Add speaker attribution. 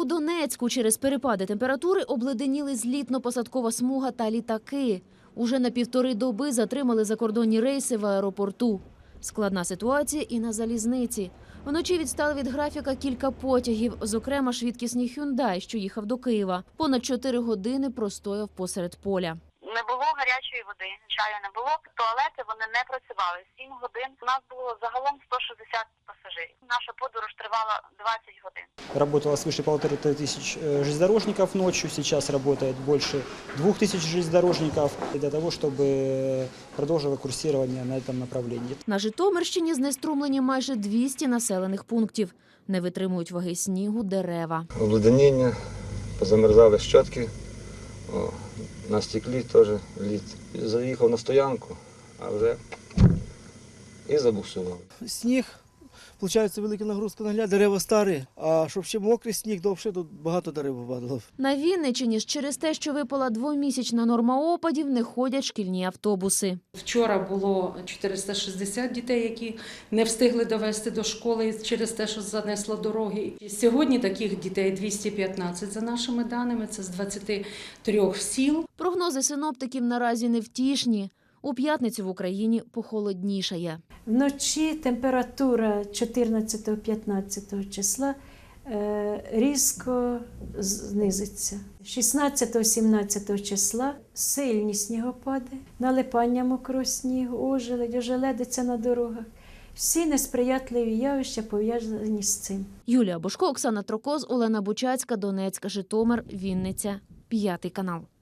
Speaker 1: Донецьку через перепади температури обледеніли злітно-посадкова смуга та літаки. Уже на 1,5 доби затримали закордонні рейси в аеропорту. Складна ситуація і на залізниці. Вночі відстали від графіка кілька потягів, зокрема швидкісний «Хюндай», що їхав до Києва. Понад 4 години простояв посеред поля.
Speaker 2: Не було гарячої води, чаю не було, туалети вони не працювали. 7 годин. У нас було загалом 160 пасажирів. Наша подорож тривала 20 годин.
Speaker 3: Работало свыше 1500 железнодорожников ночью, сейчас работает больше 2000 железнодорожников для того, чтобы продолжило курсирование на этом направлении.
Speaker 1: На Житомирщині знеструмлені майже 200 населених пунктів. Не витримують ваги снігу дерева.
Speaker 4: Обледеніння, позамерзали щотки, на стеклі теж лід. Заїхав на стоянку, а вже і забуксував.
Speaker 5: Сніг, виходить, велика нагрузка на гляд, дерева старі, а щоб ще мокрий сніг, то взагалі тут багато дерев падало.
Speaker 1: На Вінниччині ж через те, що випала 2-місячна норма опадів, не ходять шкільні автобуси.
Speaker 6: Вчора було 460 дітей, які не встигли довести до школи через те, що занесло дороги. Сьогодні таких дітей 215 за нашими даними, це з 23 сіл.
Speaker 1: Прогнози синоптиків наразі невтішні. У п'ятницю в Україні похолоднішає.
Speaker 7: Вночі температура 14-15 числа різко знизиться. 16-17 числа сильні снігопади, налипання мокрого снігу, ожеледиця на дорогах. Всі несприятливі явища пов'язані з цим.
Speaker 1: Юлія Бошко, Оксана Трокоз, Олена Бучацька, Донецьк, Житомир, Вінниця, 5 канал.